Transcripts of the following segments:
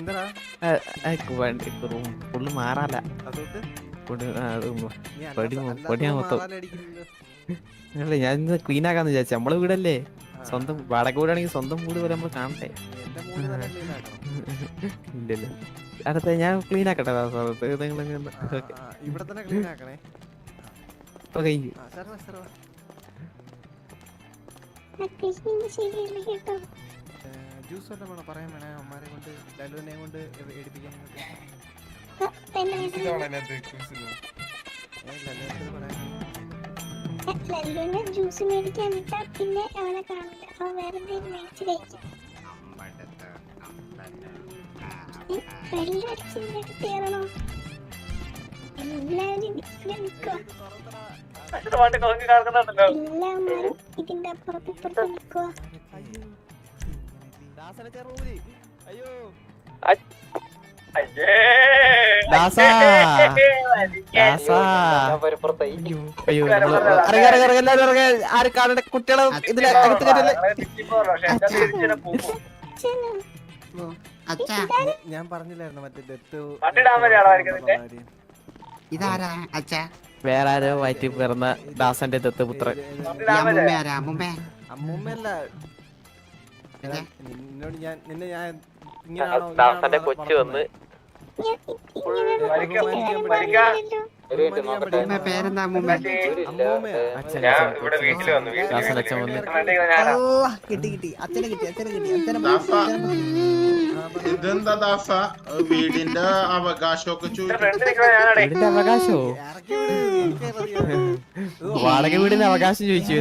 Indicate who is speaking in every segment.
Speaker 1: എന്താ
Speaker 2: ഫുള്ള് മാറാല പൊടിയാ മൊത്തം. അല്ല ഞാൻ ഇന്ന് ക്ലീൻ ആക്കാന്ന് വിചാരിച്ചു. നമ്മളെ വീടല്ലേ, സ്വന്തം വാടക വീടാണെങ്കിൽ സ്വന്തം വീട് പോലെ നമ്മൾ കാണട്ടെ. ഇല്ലല്ലോ, അടുത്ത ഞാൻ ക്ലീൻ ആക്കട്ടെ.
Speaker 1: ഇവിടെ തന്നെ ക്ലീൻ ആക്കണേ.
Speaker 2: ഇപ്പൊ കഴിഞ്ഞു.
Speaker 1: ജ്യൂസ് വല്ലതും വേണോ? പറയാൻ വേണേ അമ്മമാരെ കൊണ്ട് ലലുവിനെ കൊണ്ട് എടുപ്പിക്കാൻ.
Speaker 3: ജ്യൂസ് മേടിക്കാൻ വിട്ടാ പിന്നെ അവനെ കാണില്ല. അവൻ വേറെ എന്തെങ്കിലും മേടിച്ച് കഴിക്കും. വെള്ളടിച്ചിട്ട് കയറണോ? എല്ലാവരും എല്ലാവരും ഇതിന്റെ അപ്പുറത്ത് ഇപ്പുറത്ത് നിൽക്കുക.
Speaker 2: കുട്ടികളെ ഇതിലെ അകത്ത് കയറ്റല്ലേ.
Speaker 1: ഞാൻ പറഞ്ഞില്ലായിരുന്നു മറ്റേ ഡെത്ത്
Speaker 4: ഇതാരാ അച്ഛാ?
Speaker 2: വേറെ ആരോ വയറ്റി പിറന്ന ദാസന്റെ ദത്തുപുത്രൻ.
Speaker 1: അമ്മൂമ്മല്ല. നിന്നോട് ഞാൻ നിന്നെ ഞാൻ
Speaker 2: ദാസന്റെ കൊച്ചു വന്ന്
Speaker 4: പേരെന്താ?
Speaker 5: ഇതെന്താ ദാസ വീടിന്റെ അവകാശമൊക്കെ
Speaker 2: വീടിന്റെ അവകാശോ? വാടക വീടിന്റെ അവകാശം ചോദിച്ചു.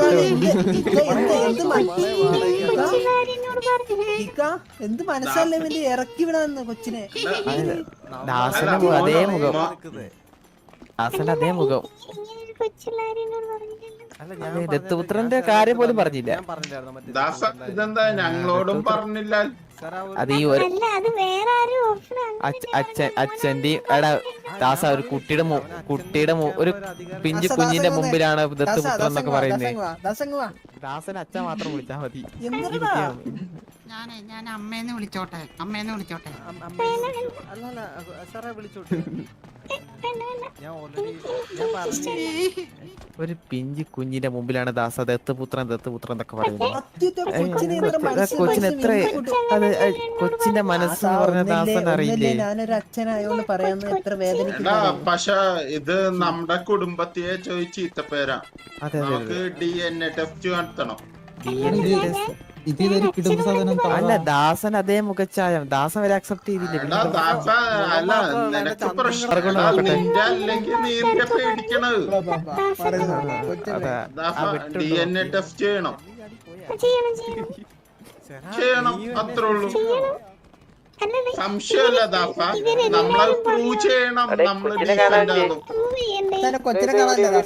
Speaker 6: എന്ത് മനസ്സല്ലേ ഇറക്കി വിടാന്ന് കൊച്ചിനെ.
Speaker 2: ദാസന്റെ അതേ മുഖം, ദാസന്റെ അതേ മുഖം. ദത്തുപുത്രന്റെ കാര്യം പോലും പറഞ്ഞില്ല.
Speaker 5: ദാസ ഇതെന്താ ഞങ്ങളോടും പറഞ്ഞില്ല?
Speaker 2: അത് ഈ ഒരു അച്ഛന്റെയും എടാ ദാസ ഒരു കുട്ടിയുടെ ഒരു പിഞ്ചു കുഞ്ഞിന്റെ മുമ്പിലാണ് ദത്തുപുത്രൻ എന്നൊക്കെ പറയുന്നത്. ദാസൻ അച്ഛൻ മാത്രം വിളിച്ചാ മതി.
Speaker 4: ഞാൻ അമ്മേന്ന് വിളിച്ചോട്ടെ, അമ്മേന്ന് വിളിച്ചോട്ടെ.
Speaker 2: ഒരു പിഞ്ചു കുഞ്ഞിന്റെ മുമ്പിലാണ് ദാസ ദത്തുപുത്രൻ എന്നൊക്കെ പറയുന്നത്. കൊച്ചിന് എത്ര അത് കൊച്ചിന്റെ മനസ്സ് പറഞ്ഞ ദാസൻ അറിയില്ലേ?
Speaker 6: ഞാനൊരു അച്ഛനായോണ്ട് പറയാന്ന് എത്ര വേദന.
Speaker 5: പക്ഷെ ഇത് നമ്മുടെ കുടുംബത്തെ ചോദിച്ച് ചീത്തപ്പേരാ. നമുക്ക് DNA ടെസ്റ്റ് നടത്തണം.
Speaker 2: അല്ല ദാസൻ അതേ മുഖച്ചായം. ദാസൻ വരെ അക്സെപ്റ്റ് ചെയ്തില്ല.
Speaker 5: അല്ല നിനക്ക് പ്രശ്നം അല്ലെങ്കിൽ നീ എന്തിനാ പേടിക്കണത്? DNA ടെസ്റ്റ് ചെയ്യണം, അത്രേ ഉള്ളൂ. സംശയമല്ല ദാസ, നമ്മളത് പ്രൂവ് ചെയ്യണം. നമ്മള്
Speaker 6: കൊച്ചിനെ കാണാനില്ല.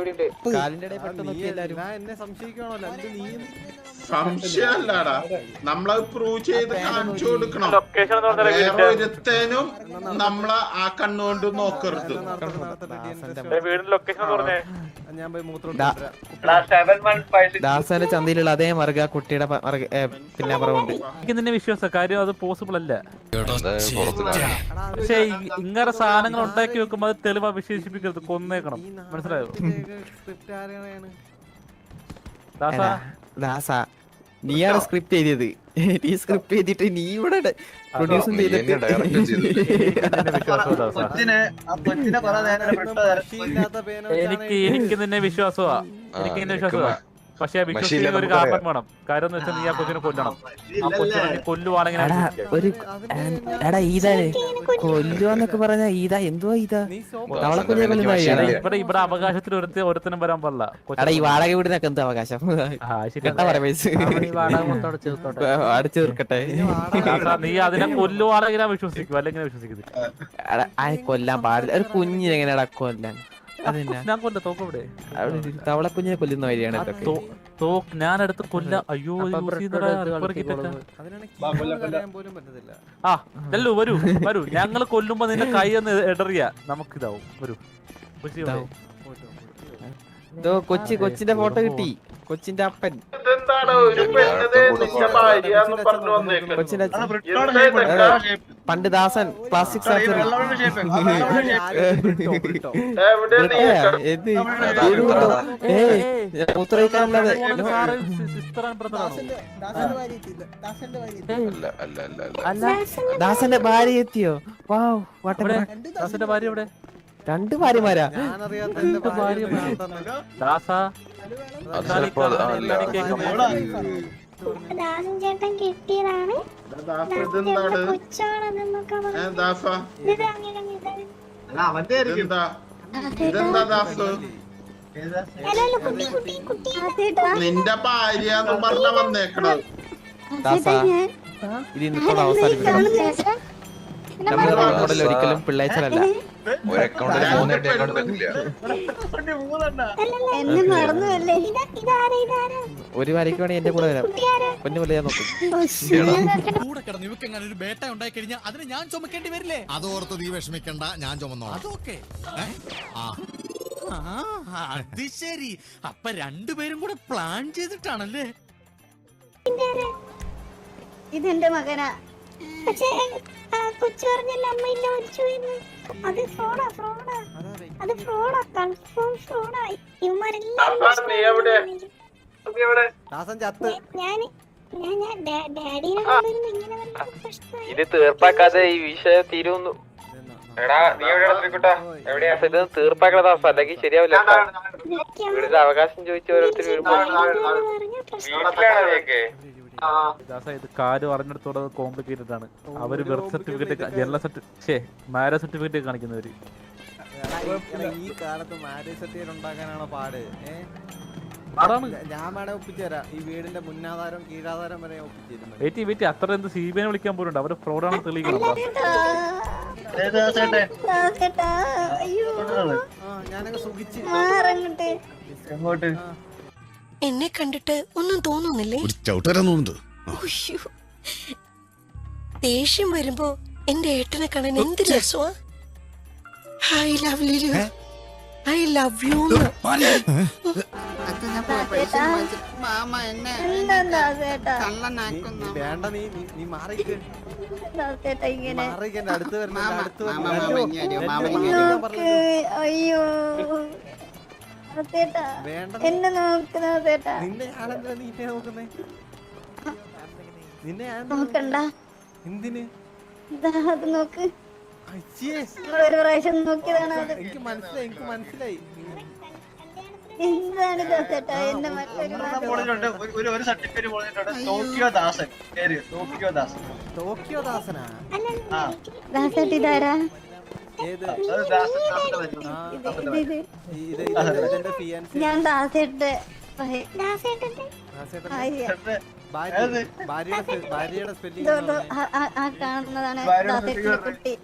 Speaker 1: എന്നെ സംശയിക്കണല്ലോ.
Speaker 5: സംശയമല്ലടാ, നമ്മളത് പ്രൂവ് ചെയ്ത് കാണിച്ചു കൊടുക്കണം. വേറെ ഒരുത്തേനും നമ്മളെ ആ കണ്ണുകൊണ്ട് നോക്കരുത്.
Speaker 2: ദാസന്റെ ചന്തയിലുള്ള അതേ മറുക കുട്ടിയുടെ പിന്നെ പറവുണ്ട്.
Speaker 7: എനിക്ക് നിന്നെ വിശ്വാസം, കാര്യം അത് പോസിബിൾ അല്ല. പക്ഷെ ഇങ്ങനെ സാധനങ്ങൾ ഉണ്ടാക്കി വെക്കുമ്പോ അത് തെളിവാ വിശേഷിപ്പിക്കരുത്, കൊന്നേക്കണം. മനസ്സിലായോ?
Speaker 2: ദാസ നീയാണ് സ്ക്രിപ്റ്റ് എഴുതിയത്. നീ സ്ക്രിപ്റ്റ് ചെയ്തിട്ട് നീ ഇവിടെ പ്രൊഡ്യൂസും ചെയ്തിട്ട്
Speaker 7: എനിക്ക് നിന്നെ വിശ്വാസമാ, എനിക്ക് നിന്നെ വിശ്വാസമാ. പക്ഷെ വിശ്വസിക്കുന്ന ഒരു കാരണം വേണം. കാര്യം എന്ന് വെച്ചാൽ നീ ആ കൊച്ചിനെ കൊല്ലണം. ആ കൊച്ചിനെ നീ കൊല്ലുവാണെങ്കിൽ
Speaker 2: ഒരു എടാ ഈതാര് കൊല്ലുവാന്നൊക്കെ പറഞ്ഞ ഈതാ എന്തുവാ ഈതാ തവളക്കുഞ്ഞെ കൊല്ലുന്ന
Speaker 7: ഇവിടെ അവകാശത്തിൽ ഒരുത്തനും വരാൻ പാടില്ല.
Speaker 2: എടാ ഈ വാടക വീടിനൊക്കെ എന്താ അവകാശം? അടിച്ചു തീർക്കട്ടെ.
Speaker 7: നീ അതിനെ കൊല്ലുവാണെങ്കിൽ ഞാൻ വിശ്വസിക്കും, അല്ലെങ്കിൽ വിശ്വസിക്കുന്നില്ല.
Speaker 2: കൊല്ലാൻ പാടില്ല. ഒരു കുഞ്ഞിനെ എങ്ങനെയാടാ കൊല്ലാൻ?
Speaker 7: ഞാൻ കൊല്ല തോക്കവിടെ
Speaker 2: തവളക്കുഞ്ഞിനെ കൊല്ലുന്ന വഴിയാണ്
Speaker 7: ഞാനെടുത്ത് കൊല്ല. അയ്യോ ആ ചെല്ലു വരൂ വരൂ. ഞങ്ങള് കൊല്ലുമ്പോ നിന്റെ കൈ ഒന്ന് ഇടറിയ നമുക്കിതാവും. വരൂ
Speaker 2: കൊച്ചിന്റെ ഫോട്ടോ കിട്ടി. കൊച്ചിന്റെ അപ്പൻ.
Speaker 5: ഇതെന്താണ് ഒരു പെണ്ണത് നിന്റെ ഭാര്യ എന്ന് പറഞ്ഞു വന്നേക്കുന്നത്?
Speaker 2: കൊച്ചിന്റെ അച്ഛൻ. പണ്ട് ദാസൻ പ്ലാസ്റ്റിക് സർജറി.
Speaker 5: എവിടെ നീ
Speaker 2: മൂത്രയിക്കാനുള്ളത്. ദാസന്റെ ഭാര്യ എത്തിയോ? വാവ്,
Speaker 7: ദാസന്റെ ഭാര്യ എവിടെ?
Speaker 2: 2 ഭാര്യമാരാ?
Speaker 1: ഞാനറിയാത്ത എന്റെ ഭാര്യ
Speaker 7: ദാസ
Speaker 3: ദാസൻ ചേട്ടൻ കിട്ടിയതാണ്.
Speaker 5: ഇതെന്താണ്
Speaker 3: കൊച്ചാണെന്നൊക്കെ പറഞ്ഞു.
Speaker 5: ദാസ?
Speaker 3: ഇത് അങ്ങനെ
Speaker 5: ഇതെന്താ ദാസ?
Speaker 3: അല്ലല്ല, കുട്ടി കുട്ടി കുട്ടി
Speaker 5: നിന്റെ ഭാര്യ എന്ന് പറഞ്ഞ വന്നേക്കണത്.
Speaker 2: ദാസ, ഇത് ഇന്നത്തോടെ അവസാനിപ്പിക്കണം. നമ്മുടെ മോഡൽ ഒരിക്കലും പിള്ളേച്ചലല്ല.
Speaker 3: എന്നെ മറന്നുവല്ലേ. ഇതാരാ ഇതാരാ?
Speaker 2: ഒരു വരയ്ക്ക് വേണമെങ്കിൽ എന്റെ കൂടെ വരാം. പൊന്നു പോലെ ഞാൻ നോക്കും.
Speaker 8: കൂടെ കിടന്ന് ഇവക്കെങ്ങനെ ഒരു ബേട്ട ഉണ്ടായി കഴിഞ്ഞാൽ അതിന് ഞാൻ ചുമക്കേണ്ടി വരില്ലേ? അതോർത്ത് നീ വിഷമിക്കണ്ട, ഞാൻ ചുമന്നോളാം. അതൊക്കെ അത് ശരി. അപ്പൊ രണ്ടുപേരും കൂടെ പ്ലാൻ ചെയ്തിട്ടാണല്ലേ?
Speaker 3: ഇതെന്റെ മകനാ. പക്ഷേ കൊച്ചു പറഞ്ഞല്ല അമ്മയില്ല മരിച്ചു പോയെന്ന്. അത് ഫ്രോഡാ ഫ്രോഡാ. അത് ഫ്രോഡാ, കൺഫേം ഫ്രോഡാ. ഇവന്മാരെല്ലാം
Speaker 5: നീ എവിടെ?
Speaker 1: ദാസൻ ചത്ത്.
Speaker 3: ഞാൻ ഡാഡിനെ കൊണ്ടുവരുമ്പോ ഇങ്ങനെ വല്ല പ്രശ്നമായി.
Speaker 2: ഇത് തീർപ്പാക്കാതെ ഈ വിഷയം തീരുന്നു. ഇത് തീർപ്പാക്കണ ദാസ, അല്ലെങ്കിൽ ശരിയാവില്ല. വീടിന്റെ അവകാശം ചോദിച്ച ഓരോരുത്തർ വരുമ്പോ
Speaker 7: ദാസ ഇത് കാര്യം അറിഞ്ഞെടുത്തോടെ കോംപ്ലിക്കേറ്റഡ് ആണ്. അവര് birth certificate, general certificate, marriage certificate കാണിക്കുന്നവര്.
Speaker 1: ഈ കാലത്ത് മാരേജ് സർട്ടിഫിക്കറ്റ് ഉണ്ടാക്കാനാണോ പാട്?
Speaker 7: അതാണ്.
Speaker 1: ഞാൻ വേണേ ഒപ്പിച്ചുതരാം. ഈ വീടിന്റെ മുന്നാധാരം കീഴാധാരം വരെ ഒപ്പിച്ചിരുന്നു.
Speaker 7: വെയിറ്റ് അത്ര എന്ത് CBI വിളിക്കാൻ പോലുണ്ട്. അവര് ഫ്രോഡാണ് തെളിയിക്കണം.
Speaker 1: ഞാനങ്ങ് സുഖിച്ച്
Speaker 9: എന്നെ കണ്ടിട്ട് ഒന്നും തോന്നുന്നില്ലേ? ദേഷ്യം വരുമ്പോ എന്റെ ഏട്ടനെ കാണാൻ എന്ത് രസമാ. I love you, I love you.
Speaker 4: മാമ എന്നെ കള്ളനാക്കുന്നു.
Speaker 1: വേണ്ട, നീ മാറിക്ക്. മാറിക്ക്, എന്റെ അടുത്ത് വരണം.
Speaker 3: അയ്യോ
Speaker 1: വേണ്ട,
Speaker 3: എന്നെ നോക്കുന്ന
Speaker 1: നിന്നെ ഞാനെന്തിനാ നീ എന്നെ നോക്കുന്നേ? നിന്നെ ഞാൻ
Speaker 3: നോക്കണ്ട.
Speaker 1: എന്തിന്?
Speaker 3: അത് നോക്ക്.
Speaker 1: അയ്യേ,
Speaker 3: ഒരു പ്രാവശ്യം നോക്കിയതാണ് അത്.
Speaker 1: എനിക്ക് മനസ്സിലായി.
Speaker 3: എന്താണ് ദാസേട്ടാ എന്നെ മറ്റൊരു
Speaker 1: ടോക്കിയോ ദാസനാ?
Speaker 3: ദാസേട്ട് ഇതാരാ?
Speaker 1: ഏത്?
Speaker 3: ഇത് ഞാൻ ദാസേട്ട്
Speaker 1: ഭാര്യയുടെ സ്പെല്ലിംഗ്
Speaker 3: ആ കാണുന്നതാണ് ദാസേട്ടിന്റെ കുട്ടി.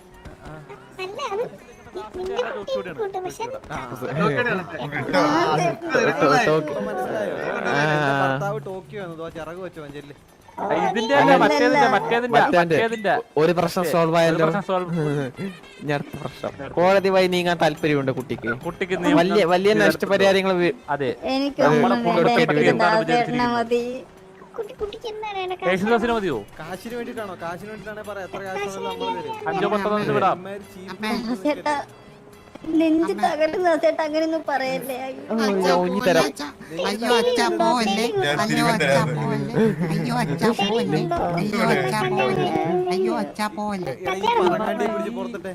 Speaker 1: ഭർത്താവ് ടോക്കിയോ എന്നതോ ചിറക് വെച്ചോ ചെല്ല്.
Speaker 7: മറ്റേതിന്റെ
Speaker 2: ഒരു പ്രശ്നം സോൾവ് ആയല്ലോ. ഇനി അടുത്ത പ്രശ്നം. കോടതി വഴി നീങ്ങാൻ താല്പര്യമുണ്ട് കുട്ടിക്ക്. വലിയ നഷ്ടപരിഹാരങ്ങൾ.
Speaker 7: അതെ,
Speaker 3: മതി.
Speaker 7: മതിയോ?
Speaker 1: കാശിന് വേണ്ടിട്ടാണോ? കാശിന് വേണ്ടിട്ടാണെ പറയാം. എത്ര കാശ് നമ്മൾ തരും.
Speaker 7: 5-10 വിടാം.
Speaker 3: നെഞ്ച് തകരുന്ന ദാസേട്ടാ, അങ്ങനെയൊന്നും പറയല്ലേ.
Speaker 2: ഊഞ്ഞി തരാം.
Speaker 4: അയ്യോ അച്ഛാ പോവല്ലേ, അയ്യോ അച്ഛാ പോവല്ലേ, അയ്യോ അച്ഛാ പോവല്ലേ, അയ്യോ അച്ഛാ പോവല്ലേ, അയ്യോ അച്ഛാ പോവല്ലേ.
Speaker 1: പിടിച്ച് പുറത്തിട്ടെ.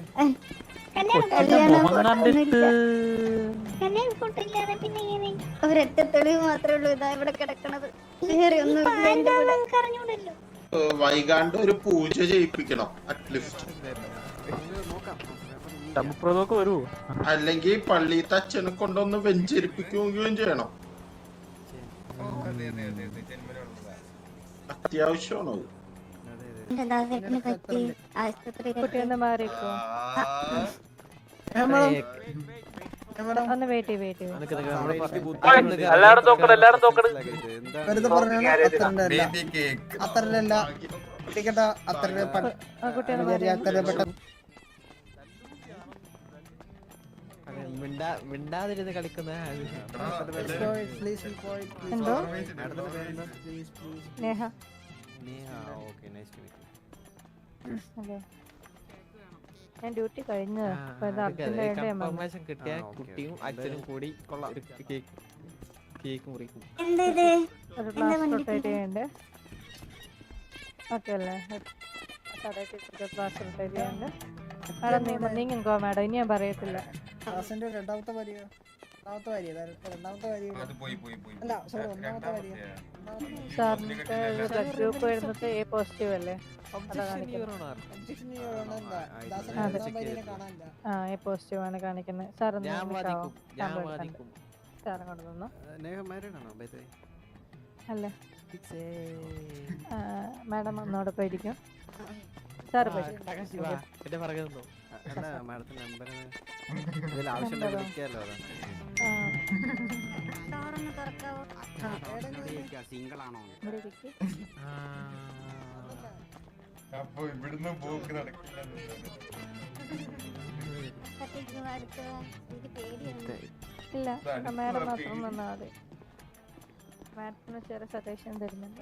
Speaker 3: ഒരൊറ്റ തെളിവ് മാത്രമേ ഉള്ളൂ ഇതാ ഇവിടെ കിടക്കണത്. വേറെ ഒന്നും അറിഞ്ഞൂടല്ലോ.
Speaker 5: വൈകാണ്ട് ഒരു പൂജ ചെയ്യിപ്പിക്കണം അറ്റ്ലീസ്റ്റ്.
Speaker 7: വരൂ.
Speaker 5: അല്ലെങ്കിൽ പള്ളിയിലത്തെ അച്ഛനെ കൊണ്ടൊന്ന് വെഞ്ചരിപ്പിക്കുകയും ചെയ്യണം. അത്യാവശ്യമാണോ?
Speaker 3: പറ്റി ആശുപത്രിയിൽ ഒന്ന് വെയിറ്റ്
Speaker 7: എല്ലാരും നോക്കണം.
Speaker 6: അത്രല്ല
Speaker 2: മിണ്ടാതിരുന്ന് കളിക്കുന്ന
Speaker 3: എന്തോ
Speaker 1: മാഡത്തിന്റെ പേരെന്താ?
Speaker 3: Neha
Speaker 1: Neha. Okay, nice to meet.
Speaker 3: അതെ ഞാൻ ഡ്യൂട്ടി കഴിഞ്ഞതാ അപ്പൊ ഇത് അർജന്റായിട്ട് ഞാൻ വന്നു.
Speaker 2: കൺഫർമേഷൻ കിട്ടിയ
Speaker 1: ആ, ഓക്കേ,
Speaker 2: കുട്ടിയും
Speaker 1: ഓക്കേ.
Speaker 2: അച്ഛനും കൂടി
Speaker 1: കൊള്ളാം.
Speaker 2: ഒരു കേക്ക് മുറിക്കും.
Speaker 3: ഒരു ഗ്ലാസ് റൊട്ടേറ്റ് ചെയ്യണ്ടേ ഓക്കെ അല്ലേ കടയിൽ ഗ്ലാസ് റൊട്ടേറ്റ് ചെയ്യണ്ടേ മാഡം നീങ്ങോ മാഡം ഇനി ഞാൻ പറയത്തില്ല
Speaker 6: ദാസന്റെ രണ്ടാമത്തെ ഭാര്യ രണ്ടാമത്തെ ഭാര്യ അല്ല സോറി ഒന്നാമത്തെ ഭാര്യ
Speaker 3: സാറിന്റെ ബ്ലഡ് ഗ്രൂപ്പ് വരുന്നത് എ പോസിറ്റീവ് അല്ലേ
Speaker 6: ഒബ്ജക്ഷൻ കാണാനില്ല
Speaker 3: ആ എ പോസിറ്റീവ് ആണ് കാണിക്കുന്നത് സാർ
Speaker 2: ഞാൻ വാദിക്കും, ഞാൻ വാദിക്കും.
Speaker 3: സാർ അങ്ങോട്ട് നിന്നോ
Speaker 1: നേഹ മാരീഡ് ആണോ? By the way.
Speaker 3: അല്ല മാഡം ഒന്നോടെ പോയിരിക്കും സാർ പോയി
Speaker 2: എന്റെ പുറകെ നിന്നോ.
Speaker 1: അല്ല, മാഡത്തിന്റെ നമ്പർ ഇതിൽ ആവശ്യമുണ്ടെങ്കിൽ വിളിക്കാമല്ലോ. അതാ.
Speaker 4: സിംഗിൾ ആണോ?
Speaker 3: ഇവിടെ ഇരിക്ക്.
Speaker 5: അപ്പൊ ഇവിടുന്ന് പോക്ക് നടക്കില്ല.
Speaker 3: ഇല്ല മാഡം മാത്രം വന്നാൽ മതി മാഡത്തിന് ചെറിയ സജഷൻ തരുന്നുണ്ട്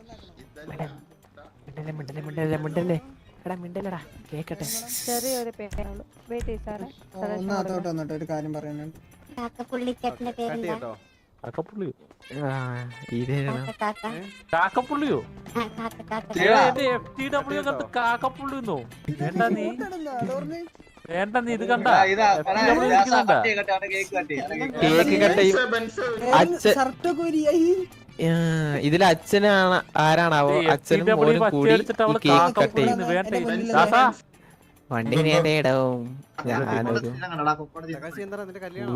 Speaker 2: മിണ്ടല്ലടാ കേക്കട്ടെ.
Speaker 3: ചെറിയൊരു പേരുള്ളൂ വെയിറ്റ് ചെയ്ത് സാറേ
Speaker 6: ഒന്ന് അതോട്ട് വന്നിട്ട് ഒരു കാര്യം പറയാനുണ്ട്.
Speaker 3: പുള്ളിക്കാരന്റെ
Speaker 1: കട്ട് ചെയ്യട്ടോ.
Speaker 7: കാക്കപ്പുള്ളിയോ
Speaker 2: ഇതേതാ?
Speaker 7: കാക്കപ്പുള്ളിയോ FTW കത്ത് കാക്കപ്പുള്ളിന്നോ? വേണ്ട നീ വേണ്ട നീ ഇത് കണ്ട FTW ഇരിക്കുന്നുണ്ടാ?
Speaker 2: കേക്ക് കട്ടയും അച്ഛൻ
Speaker 6: ഷർട്ടൊക്കെ വരിയായി
Speaker 2: ഇതിൽ അച്ഛനാണ് ആരാണാവോ? അച്ഛനും മോനും കൂടി ഈ കേക്ക് കട്ട് ചെയ്യും. വണ്ടി നേടവും ഞാനൊരു
Speaker 1: തകാശി എന്താ നിന്റെ കല്യാണം?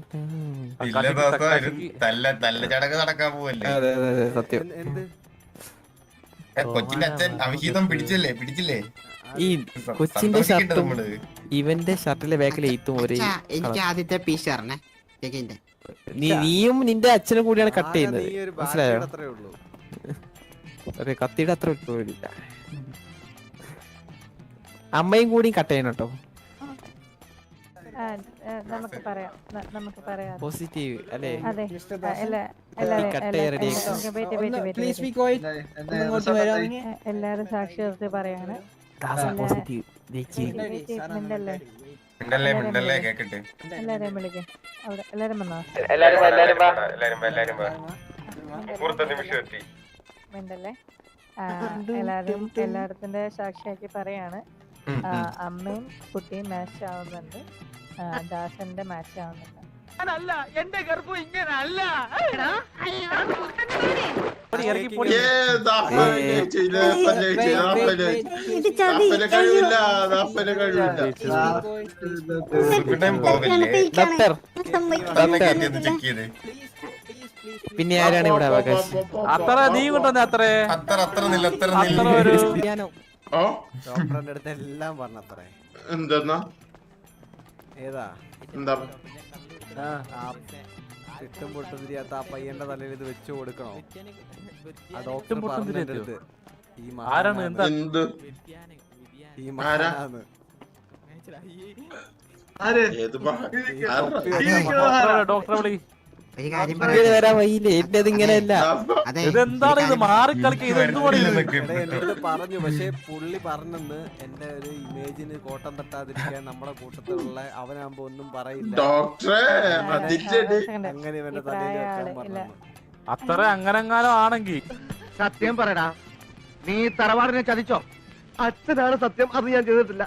Speaker 5: നല്ല ചടങ്ങ് നടക്കാൻ പോവല്ലേ?
Speaker 2: അതെ അതെ അതെ സത്യം.
Speaker 1: എന്ത്?
Speaker 5: കൊച്ചിന്റെ അച്ഛൻ അവിഹിതം പിടിച്ചില്ലേ?
Speaker 2: ഈ കൊച്ചിന്റെ ഷർട്ടും ഇവന്റെ ഷർട്ടിലെ ബാക്കിൽ എയ്ത്തും ഒരേ
Speaker 4: എനിക്ക് ആദ്യത്തെ പീസ് തരണേ കേക്കിന്റെ.
Speaker 2: നീയും നിന്റെ അച്ഛനും കൂടിയാണ് കട്ട് ചെയ്യുന്നത്.
Speaker 1: നീ ഒരു
Speaker 2: മനസ്സിലായോ?
Speaker 1: ബാക്കിയുടെ അത്രേ ഉള്ളൂ.
Speaker 2: ഒരു കത്തിയുടെ അത്ര ഇല്ല. അമ്മയും കൂടി കട്ട് ചെയ്യണം കേട്ടോ.
Speaker 3: നമുക്ക് പറയാം
Speaker 2: പോസിറ്റീവ് അല്ലേ?
Speaker 3: അതെ
Speaker 6: പ്ലീസ് ബി ക്വയറ്റ്. ഇങ്ങോട്ട് വരാം.
Speaker 3: എല്ലാരും സാക്ഷി നിർത്തി പറയാണ്
Speaker 2: പോസിറ്റീവ്
Speaker 3: മിണ്ടല്ലേ
Speaker 5: കേക്കട്ടെ.
Speaker 3: എല്ലാരെയും വിളിക്കാം അവിടെ എല്ലാരും വന്നോ മിണ്ടല്ലേ എല്ലായിടത്തിന്റെ സാക്ഷിയാക്കി പറയാണ് അമ്മയും കുട്ടിയും മാച്ച് ആവുന്നുണ്ട് ദാസന്റെ മാച്ച് ആവുന്നുണ്ട്
Speaker 7: എന്റെ ഗർഭം ഇങ്ങനല്ല.
Speaker 2: പിന്നെ ആരാണ് ഇവിടെ അവകാശം?
Speaker 7: അത്ര നീ കൊണ്ടുവന്നേ അത്ര ഒരു
Speaker 1: ഡോക്ടറിന്റെ അടുത്ത് എല്ലാം പറഞ്ഞത്രേ.
Speaker 5: എന്താ
Speaker 1: ഏതാ
Speaker 5: എന്താ
Speaker 1: ചുറ്റും പൊട്ടും തിരിയാത്ത ആ പയ്യന്റെ തലയിൽ ഇത് വെച്ചു കൊടുക്കണോ? ആ ഡോക്ടർ
Speaker 7: ചുറ്റും പൊട്ടും
Speaker 1: പറഞ്ഞതിന്റെ
Speaker 7: തിരിയാത്തയോ?
Speaker 1: അടുത്ത് ഈ
Speaker 7: ആരാണ് എന്താ
Speaker 5: എന്ത്
Speaker 1: ഈ മഹാനാണ്.
Speaker 5: ഏത്
Speaker 7: ഡോക്ടറെ വിളി.
Speaker 4: ഒരു കാര്യം
Speaker 2: ഇങ്ങനെ
Speaker 4: പറയാം.
Speaker 2: വരാൻ വയ്യില്ലേ? എന്റേത് ഇങ്ങനെയല്ല.
Speaker 4: അതെ
Speaker 7: ഇതെന്താണ് ഇത് മാറിക്കളിക്കുക? ഇത് എന്തുകൊണ്ട് ഇത്?
Speaker 1: എടാ, എന്റെ അടുത്ത് പറഞ്ഞു, പക്ഷെ പുള്ളി പറഞ്ഞെന്ന് എന്റെ ഒരു ഇമേജിന് കോട്ടം തട്ടാതിരിക്കാൻ നമ്മുടെ കൂട്ടത്തിലുള്ള അവനാകുമ്പോ ഒന്നും പറയില്ല,
Speaker 5: ഡോക്ടറെ അതിന്റെ
Speaker 1: അങ്ങനെ ഇവന്റെ തലയിൽ വെക്കാൻ പറഞ്ഞു.
Speaker 7: അത്ര അങ്ങനെങ്ങാനും ആണെങ്കിൽ
Speaker 10: സത്യം പറയടാ, നീ തറവാടിനെ ചതിച്ചോ? അച്ഛനാണ് സത്യം, അത് ഞാൻ ചെയ്തിട്ടില്ല.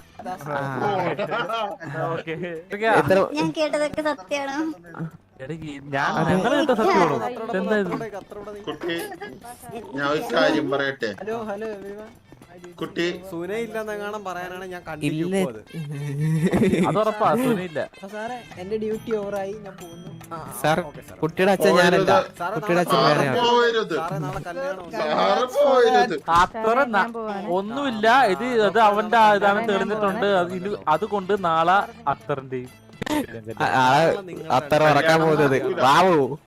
Speaker 7: ഓക്കെ
Speaker 2: എത്ര
Speaker 3: ഞാൻ കേട്ടതൊക്കെ സത്യമാണോ
Speaker 7: ഞാൻ ഞങ്ങൾ കേട്ട സത്യമാണോ? എന്താ ഇത്?
Speaker 5: കുട്ടി ഞാൻ ഒരു കാര്യം പറയട്ടെ.
Speaker 6: Hello hello everyone.
Speaker 5: കുട്ടി
Speaker 1: സുനയില്ലെന്നെങ്ങാനും പറയാനാണ് ഞാൻ
Speaker 2: ഇല്ല.
Speaker 1: കണ്ടിരിക്കും.
Speaker 7: അത് ഉറപ്പാ സുനില്ല.
Speaker 6: അപ്പൊ സാറേ എന്റെ ഡ്യൂട്ടി ഓവറായി, ഞാൻ പോകുന്നു.
Speaker 2: സാർ കുട്ടിയുടെ അച്ഛൻ ഞാനല്ല, കുട്ടിയുടെ അച്ഛൻ വേറെ ആണ്.
Speaker 5: പോവരുത്,
Speaker 1: സാറേ നാളെ കല്യാണം
Speaker 5: സാറ് പോവരുത്.
Speaker 7: അത്ര ഒന്നുമില്ല. ഇത് അവന്റെ ഇതാണ് തെളിഞ്ഞിട്ടുണ്ട്. അതുകൊണ്ട് നാളെ അത്തറിന്റെയും
Speaker 2: അത്ര ഉറക്കാൻ പോകുന്നത്. വാവോ